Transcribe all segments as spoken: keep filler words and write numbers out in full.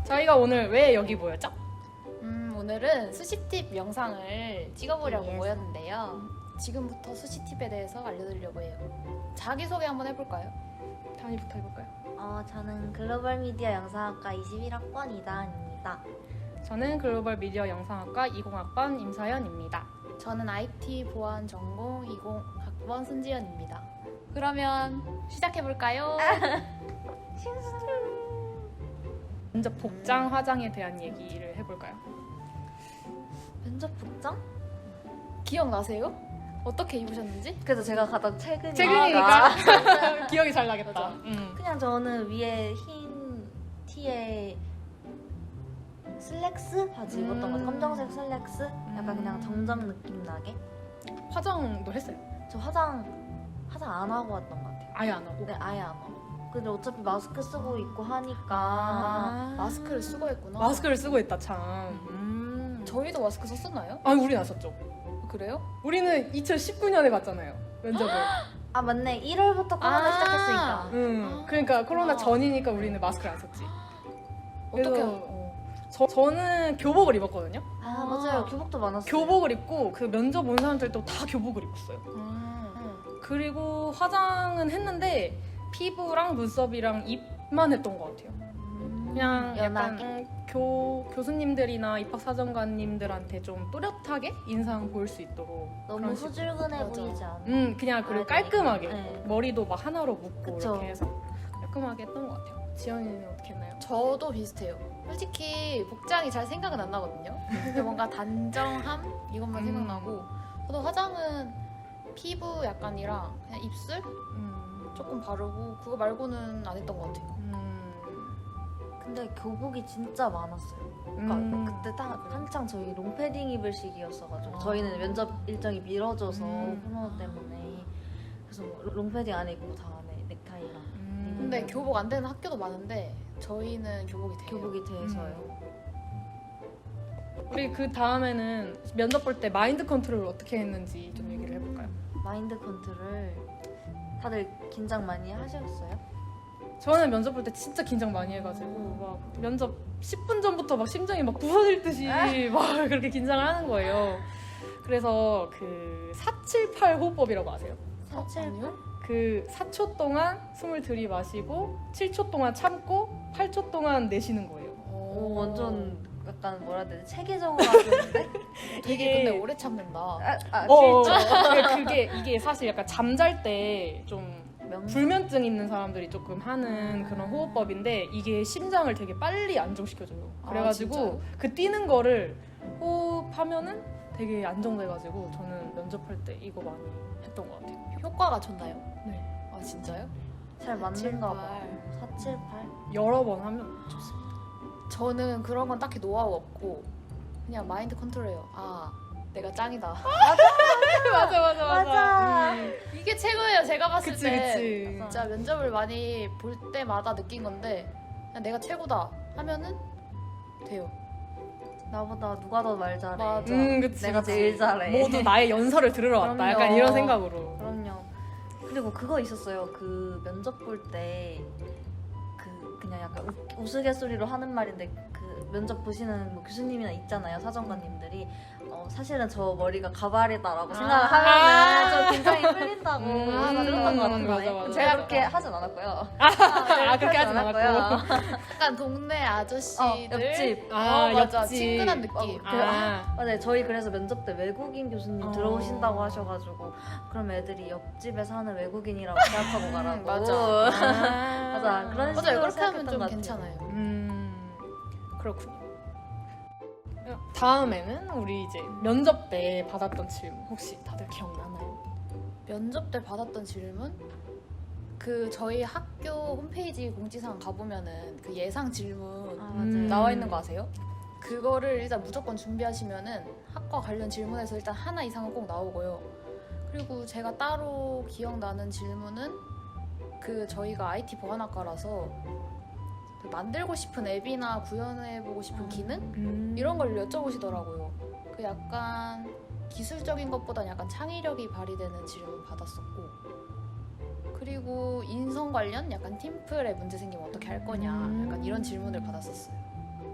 저희가 오늘 왜 여기 모였죠? 음, 오늘은 수시팁 영상을 찍어보려고 예. 모였는데요. 지금부터 수시팁에 대해서 알려드리려고 해요. 자기소개 한번 해볼까요? 다니부터 해볼까요? 어, 저는 글로벌 미디어 영상학과 이십일 학번 이다은입니다. 저는 글로벌 미디어 영상학과 이십 학번 임서연입니다. 저는 아이티 보안 전공 이십 학번 손지연입니다. 그러면 시작해볼까요? 먼저 복장, 화장에 대한 얘기를 해볼까요? 면접 복장? 기억나세요? 어떻게 입으셨는지? 그래서 제가 가장 최근이니까 최근이니까 기억이 잘 나겠다. 맞아. 음. 그냥 저는 위에 흰 티에 슬랙스 바지 입었던 것 같아요. 음. 검정색 슬랙스? 약간 음. 그냥 정장 느낌 나게. 화장도 했어요? 저 화장 화장 안 하고 왔던 것 같아요. 아예 안 하고? 네, 아예 안 하고. 근데 어차피 마스크 쓰고 있고 하니까 아, 마스크를 쓰고 했구나. 마스크를 쓰고 있다 참. 음. 저희도 마스크 썼었나요? 아니 우리 나섰죠. 그래요? 우리는 이천십구 년에 갔잖아요 면접을. 아 맞네. 일월부터 코로나 아. 시작했으니까. 음. 그러니까 코로나 아. 전이니까 우리는 마스크를 안 썼지. 어떻게? 그래서- 어. 저, 저는 교복을 입었거든요. 아 맞아요. 교복도 많았어요. 교복을 입고 그 면접 온 사람들도 다 교복을 입었어요. 음. 그리고 화장은 했는데 피부랑 눈썹이랑 입만 했던 것 같아요. 음, 그냥 약간 연하게. 음, 교, 교수님들이나 입학사정관님들한테 좀 또렷하게 인상 보일 수 있도록 너무 그런 식으로. 후줄근해 맞아. 보이지 않아? 음 그냥 그리고 아, 깔끔하게 네. 머리도 막 하나로 묶고 그쵸. 이렇게 해서 깔끔하게 했던 것 같아요. 지연이는 어떻게 했나요? 저도 비슷해요. 솔직히 복장이 잘 생각은 안 나거든요. 근데 뭔가 단정함 이것만 음. 생각나고 저도 화장은 피부 약간이랑 그냥 입술 음, 조금 바르고 그거 말고는 안 했던 것 같아요. 음, 근데 교복이 진짜 많았어요. 그러니까 음. 그때 딱 한창 저희 롱패딩 입을 시기였어가지고 아. 저희는 면접 일정이 미뤄져서 음. 코로나 때문에 그래서 뭐 롱패딩 안에 입고 다 안에 넥타이랑 음. 근데 교복 안 되는 학교도 많은데 저희는 교복이 돼요. 교복이 돼서요. 우리 그 다음에는 면접 볼 때 마인드 컨트롤을 어떻게 했는지 좀 얘기를 해볼까요? 마인드 컨트롤 다들 긴장 많이 하셨어요? 저는 면접 볼 때 진짜 긴장 많이 해가지고 막 면접 십 분 전부터 막 심장이 막 부서질 듯이 막 그렇게 긴장을 하는 거예요. 그래서 그 사칠팔 호흡법이라고 아세요? 사칠 아니요? 그 사 초 동안 숨을 들이마시고 칠 초 동안 참고 팔 초 동안 내쉬는 거예요. 오 완전 약간 뭐라 해야 되지? 체계적으로 하셨는데? 되게 이게- 근데 오래 참는다. 아, 아 어, 실제 그게 이게 사실 약간 잠잘 때 좀 명 불면증 있는 사람들이 조금 하는 그런 호흡법인데 이게 심장을 되게 빨리 안정시켜줘요. 아, 그래가지고 진짜요? 그 뛰는 거를 호흡하면은 되게 안정돼가지고 저는 면접할 때 이거 많이 했던 것 같아요. 효과가 좋나요? 네. 아 진짜요? 잘 맞는가 봐. 사칠팔. 사칠팔? 여러 번 하면 좋습니다. 저는 그런 건 딱히 노하우 없고 그냥 마인드 컨트롤해요. 아 내가 짱이다. 맞아 맞아 맞아. 음. 이게 최고예요. 제가 봤을 그치 때 그치. 진짜 면접을 많이 볼 때마다 느낀 건데 그냥 내가 최고다 하면은 돼요. 나보다 누가 더 말 잘해. 맞아. 음 그치. 내가 그치. 제일 잘해. 모두 나의 연설을 들으러 왔다. 그럼요. 약간 이런 생각으로. 그럼요. 그리고 그거 있었어요. 그 면접 볼 때 그 그냥 약간 우, 우스갯소리로 하는 말인데 그 면접 보시는 뭐 교수님이나 있잖아요. 사정관님들이 어, 사실은 저 머리가 가발이다라고 생각을 아. 하면은 좀 긴장이 풀린다고 음, 아, 들었던 것 같은데 맞아, 맞아. 제가 그렇게 하진 않았고요. 아 그렇게 하진 않았고. 약간 동네 아저씨들 어, 옆집. 아, 어, 맞아. 옆집. 친근한 느낌. 어, 그- 아. 맞아요. 저희 그래서 면접 때 외국인 교수님 어. 들어오신다고 하셔가지고 그럼 애들이 옆집에 사는 외국인이라고 생각하고 가라고. 맞아. 아. 맞아. 그런 맞아요. 식으로 그렇게 하면 생각했던 좀 것 같아요. 괜찮아요. 음 그렇군요. 다음에는 우리 이제 면접 때 받았던 질문 혹시 다들 기억나나요? 면접 때 받았던 질문? 그 저희 학교 홈페이지 공지사항 가보면은 그 예상 질문 아, 맞아요. 음. 나와 있는 거 아세요? 그거를 일단 무조건 준비하시면은 학과 관련 질문에서 일단 하나 이상은 꼭 나오고요. 그리고 제가 따로 기억나는 질문은 그 저희가 아이티 보안학과라서 그 만들고 싶은 앱이나 구현해보고 싶은 기능? 음. 이런 걸 여쭤보시더라고요. 그 약간 기술적인 것보다는 약간 창의력이 발휘되는 질문 받았었고 그리고 인성 관련 약간 팀플에 문제 생기면 어떻게 할 거냐 음. 약간 이런 질문을 받았었어요.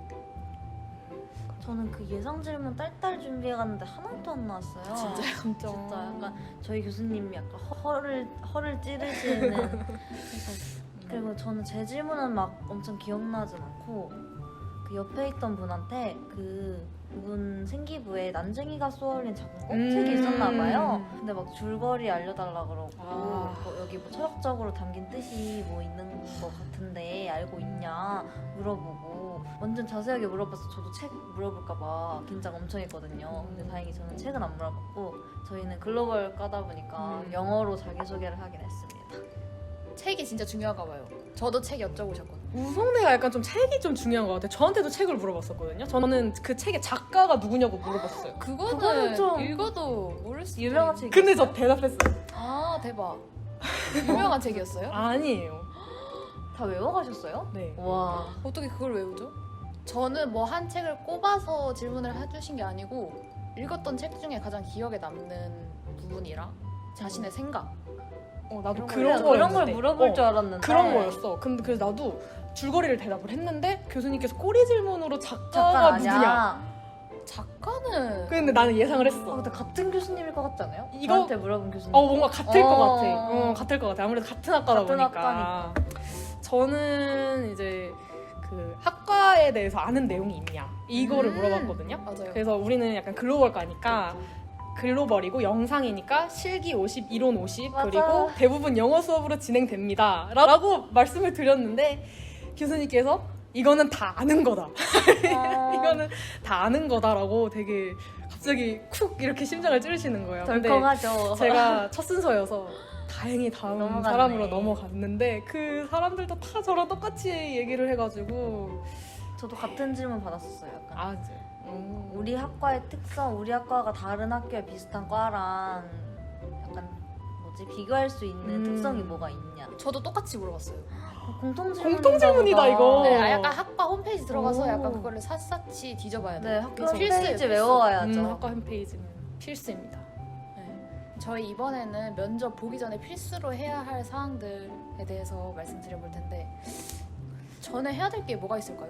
저는 그 예상 질문 딸딸 준비해갔는데 하나도 안 나왔어요. 진짜요? 진짜. 진짜 약간 저희 교수님이 약간 허를 허를 찌르시는. 그래서 그리고 저는 제 질문은 막 엄청 기억나진 않고 그 옆에 있던 분한테 그 그분 생기부에 난쟁이가 쏘아올린 작은 껍질이 음. 있었나 봐요. 근데 막 줄거리 알려달라 그러고 아. 뭐 여기 뭐 철학적으로 담긴 뜻이 뭐 있는 것 같은데 알고 있냐 물어보고 완전 자세하게 물어봐서 저도 책 물어볼까 봐 긴장 엄청 했거든요. 근데 다행히 저는 책은 안 물어봤고 저희는 글로벌 까다 보니까 음. 영어로 자기소개를 하긴 했습니다. 책이 진짜 중요한가 봐요. 저도 책 여쭤보셨거든요. 우성대가 약간 좀 책이 좀 중요한 것 같아요. 저한테도 책을 물어봤었거든요. 저는 그 책의 작가가 누구냐고 물어봤어요. 그거는, 그거는 좀 읽어도 모를 수 유명한 있어요. 책. 근데 저 대답했어요. 아 대박. 유명한 책이었어요? 아니에요. 다 외워가셨어요? 네. 와. 어떻게 그걸 외우죠? 저는 뭐 한 책을 꼽아서 질문을 해주신 게 아니고 읽었던 책 중에 가장 기억에 남는 부분이랑 자신의 생각. 어, 나도 이런 그런 거, 거 이런 걸 물어볼 어, 줄 알았는데 그런 거였어. 근데 그래서 나도 줄거리를 대답을 했는데 교수님께서 꼬리 질문으로 작가 작가가 누구냐. 아니야. 작가는 근데 나는 예상을 아, 했어. 근데 같은 교수님일 것 같지 않아요? 이거- 저한테 물어본 교수님. 어 뭔가 같을 어. 것 같아. 어, 같을 것 같아. 아무래도 같은 학과다 같은 보니까. 저는 이제 그 학과에 대해서 아는 내용이 있냐 이거를 음. 물어봤거든요. 맞아요. 그래서 우리는 약간 글로벌과니까 글로벌이고 영상이니까 실기 오십, 이론 오십 맞아. 그리고 대부분 영어 수업으로 진행됩니다 라고 말씀을 드렸는데 교수님께서 이거는 다 아는 거다. 아, 이거는 다 아는 거다라고 되게 갑자기 쿡 이렇게 심장을 찌르시는 거예요. 근데 덜컹하죠. 제가 첫 순서여서 다행히 다음 넘어갔네. 사람으로 넘어갔는데 그 사람들도 다 저랑 똑같이 얘기를 해가지고 저도 같은 질문 받았었어요. 약간. 아 이제 음. 우리 학과의 특성, 우리 학과가 다른 학교에 비슷한 과랑 약간 뭐지 비교할 수 있는 음. 특성이 뭐가 있냐. 저도 똑같이 물어봤어요. 공통 질문. 공통 질문이다, 이거. 네, 아, 약간 학과 홈페이지 들어가서 오. 약간 그거를 샀었지 뒤져봐야 돼요. 네, 학교 그래서 홈페이지 필수예요, 외워와야죠. 음, 학과 홈페이지는 필수입니다. 네. 저희 이번에는 면접 보기 전에 필수로 해야 할 사항들에 대해서 말씀드려볼 텐데 전에 해야 될 게 뭐가 있을까요?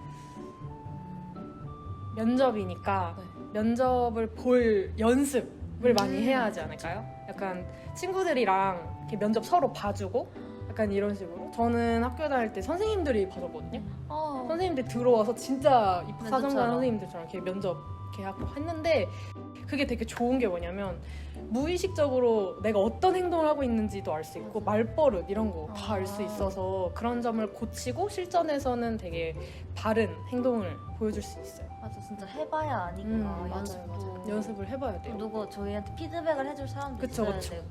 면접이니까 네. 면접을 볼 연습을 음. 많이 해야 하지 않을까요? 약간 친구들이랑 이렇게 면접 서로 봐주고 약간 이런 식으로. 저는 학교 다닐 때 선생님들이 봐줬거든요. 어, 선생님들 들어와서 진짜 입사정관 면접처럼. 선생님들처럼 이렇게 면접 이렇게 하고 했는데 그게 되게 좋은 게 뭐냐면 무의식적으로 내가 어떤 행동을 하고 있는지도 알 수 있고 맞아. 말버릇 이런 거 다 알 수 아. 있어서 그런 점을 고치고 실전에서는 되게 바른 행동을 보여줄 수 있어요. 맞아, 진짜 해봐야 아니까 음, 맞아요, 연습도. 맞아요. 연습을 해봐야 돼요. 누구 저희한테 피드백을 해줄 사람도 그쵸, 있어야 그쵸. 되고.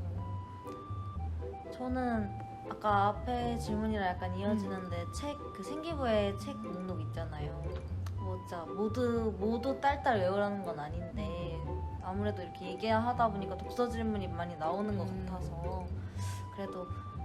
저는 아까 앞에 질문이랑 약간 이어지는데 음. 책 그 생기부에 책 목록 있잖아요. 뭐 진짜 모두 모두 딸딸 외우라는 건 아닌데 아무래도 이렇게 얘기하다 보니까 독서 질문이 많이 나오는 것 음. 같아서 그래도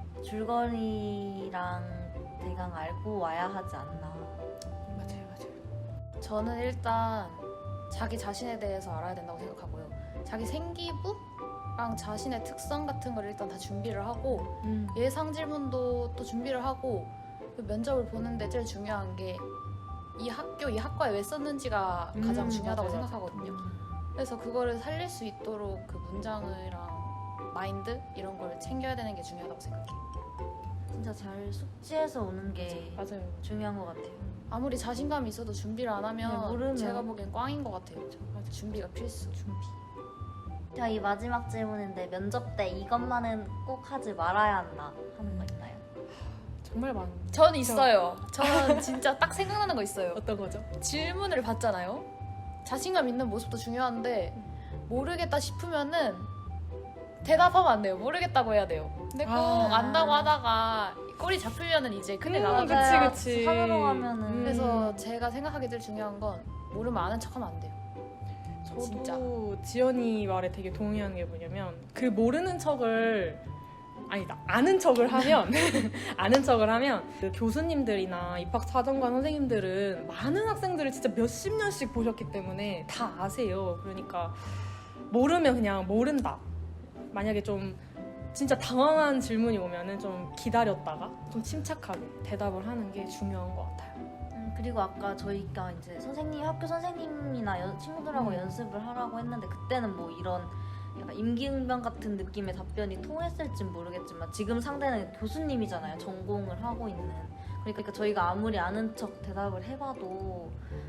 줄거리랑 대강 알고 와야 하지 않나. 맞아요, 맞아요. 저는 일단 자기 자신에 대해서 알아야 된다고 생각하고요. 자기 생기부랑 자신의 특성 같은 걸 일단 다 준비를 하고 음. 예상 질문도 또 준비를 하고 그 면접을 보는데 제일 중요한 게 이 학교, 이 학과에 왜 썼는지가 가장 음, 중요하다고 맞아요, 생각하거든요. 그래서 그거를 살릴 수 있도록 그 문장이랑 마인드 이런 걸 챙겨야 되는 게 중요하다고 생각해요. 진짜 잘 숙지해서 오는 게 맞아요. 중요한 것 같아요. 아무리 자신감이 있어도 준비를 안 하면 네, 모르면. 제가 보기엔 꽝인 것 같아요. 맞아. 준비가 필수. 준비. 자, 이 마지막 질문인데 면접 때 이것만은 꼭 하지 말아야 한다 하는 거 있나요? 정말 많은. 전 있어요. 저는 진짜 딱 생각나는 거 있어요. 어떤 거죠? 질문을 받잖아요. 자신감 있는 모습도 중요한데 모르겠다 싶으면은 대답하면 안 돼요. 모르겠다고 해야 돼요. 근데 꼭 아. 안다고 하다가 꼬리 잡히면은 이제 큰일 음, 나가죠. 그치, 맞아요. 그치. 산으로 가면은. 음. 그래서 제가 생각하기 제일 중요한 건 모르면 아는 척하면 안 돼요. 저도 진짜. 지연이 말에 되게 동의하는 게 뭐냐면 그 모르는 척을 아니다 아는 척을 하면 아는 척을 하면 그 교수님들이나 입학사정관 선생님들은 많은 학생들을 진짜 몇십 년씩 보셨기 때문에 다 아세요. 그러니까 모르면 그냥 모른다. 만약에 좀 진짜 당황한 질문이 오면은 좀 기다렸다가 좀 침착하게 대답을 하는 게 중요한 것 같아요. 음, 그리고 아까 저희가 이제 선생님 학교 선생님이나 연- 친구들하고 음. 연습을 하라고 했는데 그때는 뭐 이런 약간 임기응변 같은 느낌의 답변이 통했을진 모르겠지만 지금 상대는 교수님이잖아요. 전공을 하고 있는. 그러니까 저희가 아무리 아는 척 대답을 해봐도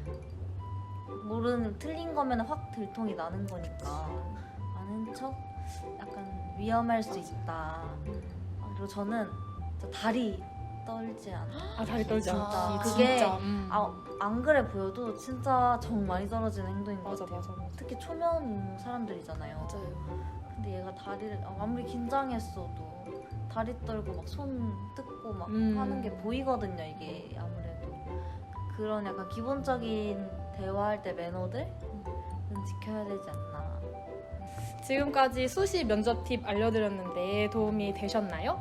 모르는 틀린 거면 확 들통이 나는 거니까 아는 척 약간 위험할 수 있다. 아, 그리고 저는 진짜 다리 떨지 않아. 아 다리 떨지 진짜. 않기 그게 진짜. 음. 아, 안 그래 보여도 진짜 정 많이 떨어지는 행동인 것 맞아 같아요. 맞아 맞아. 특히 초면 사람들이잖아요. 맞아요. 근데 얘가 다리를 아, 아무리 긴장했어도 다리 떨고 막 손 뜯고 막 음. 하는 게 보이거든요. 이게 아무래도 그런 약간 기본적인 대화할 때 매너들은 지켜야 되지 않나. 지금까지 수시 면접 팁 알려드렸는데 도움이 되셨나요?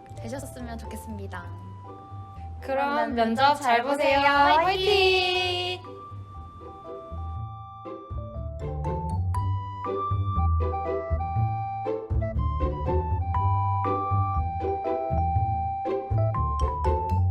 되셨으면 좋겠습니다. 그럼 그러면 면접 잘 보세요. 화이팅!